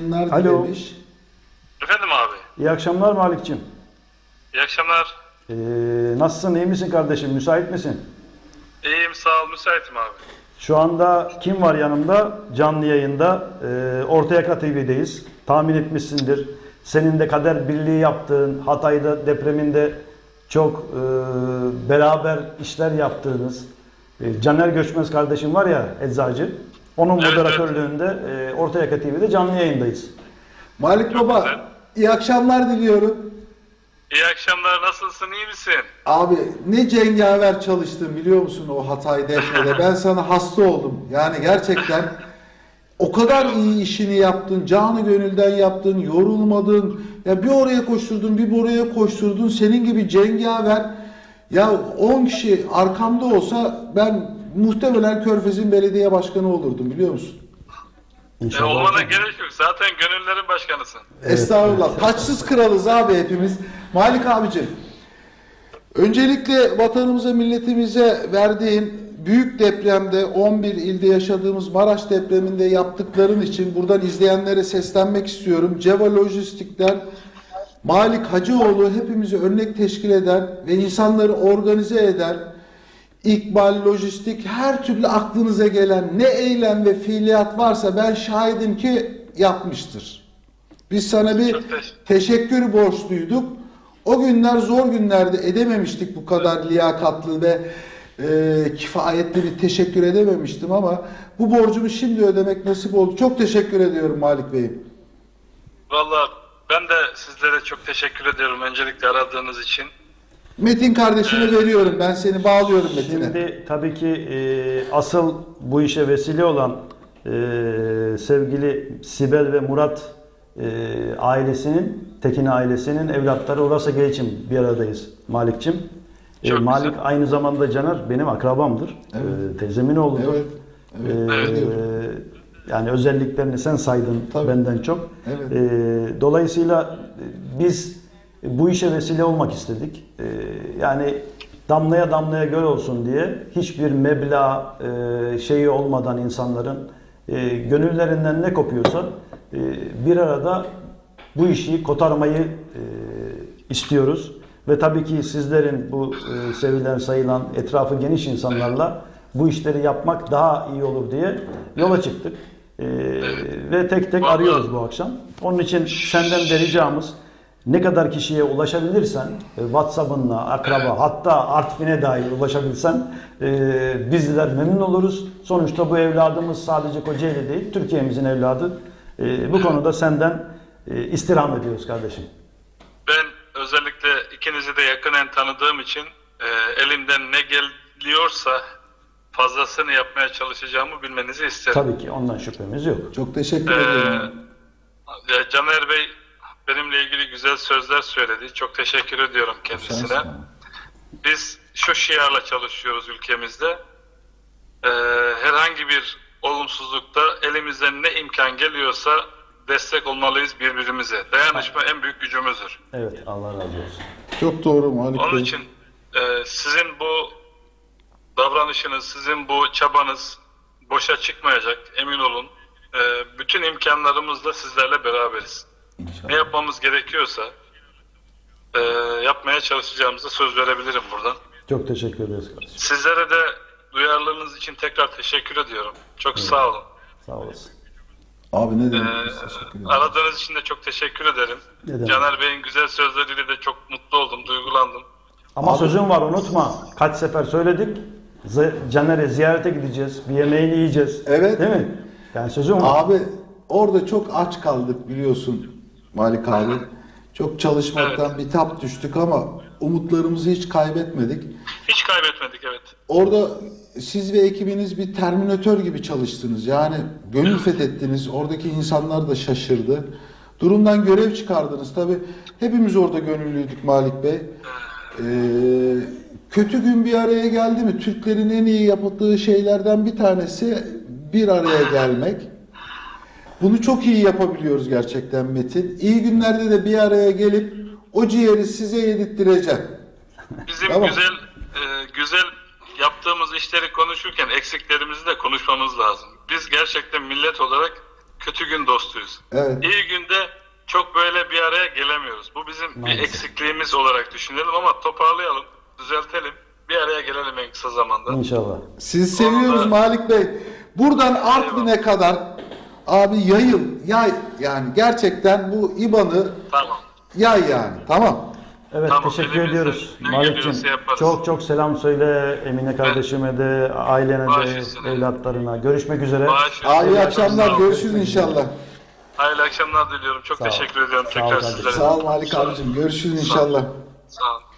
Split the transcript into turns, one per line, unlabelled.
yayınlar
Alo.
dilemiş.
Efendim abi.
İyi akşamlar Malik'cim.
İyi akşamlar.
Nasılsın, iyi misin kardeşim, müsait misin?
İyiyim sağ ol, müsaitim abi.
Şu anda kim var yanımda? Canlı yayında. Orta Yaka TV'deyiz. Tahmin etmişsindir. Senin de kader birliği yaptığın, Hatay'da depreminde çok beraber işler yaptığınız Caner Göçmez kardeşim var ya, eczacı. Onun
Evet,
moderatörlüğünde Orta Yaka TV'de canlı yayındayız.
Malik
Çok
Baba,
güzel.
iyi akşamlar diliyorum.
İyi akşamlar, nasılsın, iyi misin?
Abi ne cengaver çalıştın biliyor musun o Hatay Defne'de? Ben sana hasta oldum. Yani gerçekten o kadar iyi işini yaptın, canı gönülden yaptın, yorulmadın. Ya bir oraya koşturdun, bir buraya koşturdun. Senin gibi cengaver. Ya 10 kişi arkamda olsa ben muhtemelen Körfez'in belediye başkanı olurdum biliyor musun?
İnşallah.
Olmana gerek yok, zaten gönüllerin başkanısın.
Estağfurullah. Taçsız kralız abi hepimiz. Malik abicim, öncelikle vatanımıza, milletimize verdiğin büyük depremde 11 ilde yaşadığımız Maraş depreminde yaptıkların için buradan izleyenlere seslenmek istiyorum. Ceva Lojistik'ten Malik Hacıoğlu hepimizi örnek teşkil eden ve insanları organize eden İkbal, lojistik, her türlü aklınıza gelen ne eylem ve fiiliyat varsa ben şahidim ki yapmıştır. Biz sana bir teşekkür borçluyduk. O günler zor günlerde edememiştik bu kadar liyakatlı ve kifayetli bir teşekkür edememiştim ama bu borcumu şimdi ödemek nasip oldu. Çok teşekkür ediyorum Malik Bey'im.
Vallahi ben de sizlere çok teşekkür ediyorum öncelikle aradığınız için.
Metin kardeşime veriyorum. Ben seni bağlıyorum Metin'e.
Şimdi tabii ki asıl bu işe vesile olan sevgili Sibel ve Murat ailesinin, Tekin ailesinin evlatları Urasa G için bir aradayız Malik'cim.
Çok
Malik
güzel.
aynı zamanda Caner benim akrabamdır.
Evet.
Teyzemin oğludur.
Evet. Evet.
Yani özelliklerini sen saydın
Tabii.
benden çok.
Evet.
Dolayısıyla biz bu işe vesile olmak istedik. Yani damlaya damlaya göl olsun diye hiçbir meblağ şeyi olmadan insanların gönüllerinden ne kopuyorsa bir arada bu işi kotarmayı istiyoruz. Ve tabii ki sizlerin bu sevilen sayılan etrafı geniş insanlarla bu işleri yapmak daha iyi olur diye yola çıktık. Ve tek tek arıyoruz bu akşam. Onun için senden de ricamız ne kadar kişiye ulaşabilirsen WhatsApp'ınla, akraba hatta Artvin'e dair ulaşabilsen bizler memnun oluruz. Sonuçta bu evladımız sadece Kocaeli değil, Türkiye'mizin evladı. Bu konuda senden istirham ediyoruz kardeşim.
Ben özellikle ikinizi de yakinen tanıdığım için elimden ne geliyorsa fazlasını yapmaya çalışacağımı bilmenizi isterim.
Tabii ki ondan şüphemiz yok.
Çok teşekkür ederim.
Caner Bey benimle ilgili güzel sözler söyledi. Çok teşekkür ediyorum kendisine.
Sensin.
Biz şu şiarla çalışıyoruz ülkemizde. Herhangi bir olumsuzlukta elimizden ne imkan geliyorsa destek olmalıyız birbirimize. Dayanışma en büyük gücümüzdür.
Evet, Allah razı olsun.
Çok doğru Malik
Onun
Bey.
için sizin bu davranışınız, sizin bu çabanız boşa çıkmayacak, emin olun. Bütün imkanlarımızla sizlerle beraberiz.
İnşallah.
Ne yapmamız gerekiyorsa yapmaya çalışacağımıza söz verebilirim buradan.
Çok teşekkür ederiz kardeşim.
Sizlere de duyarlılığınız için tekrar teşekkür ediyorum. Çok sağ olun.
Sağ olasın.
Abi ne demek? Teşekkür ederim.
Aradığınız için de çok teşekkür ederim.
Ne demek?
Caner Bey'in güzel sözleriyle de çok mutlu oldum, duygulandım.
Ama
Abi-
sözüm var unutma. Kaç sefer söyledik. Caner'e ziyarete gideceğiz. Bir yemeğini yiyeceğiz.
Evet.
Değil mi? Yani sözüm var.
Abi orada çok aç kaldık biliyorsun Malik abi. Çok çalışmaktan bitap düştük ama umutlarımızı hiç kaybetmedik.
Hiç kaybetmedik, evet.
Orada siz ve ekibiniz bir terminatör gibi çalıştınız. Yani gönül fethettiniz. Oradaki insanlar da şaşırdı. Durumdan görev çıkardınız. Tabii hepimiz orada gönüllüydük Malik Bey. Kötü gün bir araya geldi mi? Türklerin en iyi yaptığı şeylerden bir tanesi bir araya gelmek. Bunu çok iyi yapabiliyoruz gerçekten Metin. İyi günlerde de bir araya gelip o ciğeri size yedirttireceğim.
Bizim
Tamam.
güzel yaptığımız işleri konuşurken eksiklerimizi de konuşmamız lazım. Biz gerçekten millet olarak kötü gün dostuyuz.
Evet.
İyi günde çok böyle bir araya gelemiyoruz. Bu bizim bir
Maalesef.
eksikliğimiz olarak düşünelim ama toparlayalım, düzeltelim. Bir araya gelelim en kısa zamanda.
İnşallah.
Sizi seviyoruz
Onu da-
Malik Bey. Buradan Artvin'e kadar abi yay yani gerçekten bu İBAN'ı
Tamam.
yay yani. Tamam.
Evet,
Tamam,
teşekkür
elimizden
ediyoruz.
ne
Malik'cim
geliyorsa yaparız.
çok çok selam söyle Emine kardeşime de, ailene
Baş
de,
üstüne.
evlatlarına. Görüşmek üzere.
Bağışlayın.
Abi iyi
Sağ
akşamlar.
ol.
Görüşürüz inşallah.
Hayırlı akşamlar diliyorum. Çok
Sağ ol.
teşekkür ediyorum
Sağ ol
tekrar
kardeşim.
sizlere.
Sağ ol Malik abicim. Görüşürüz inşallah.
Sağ olun.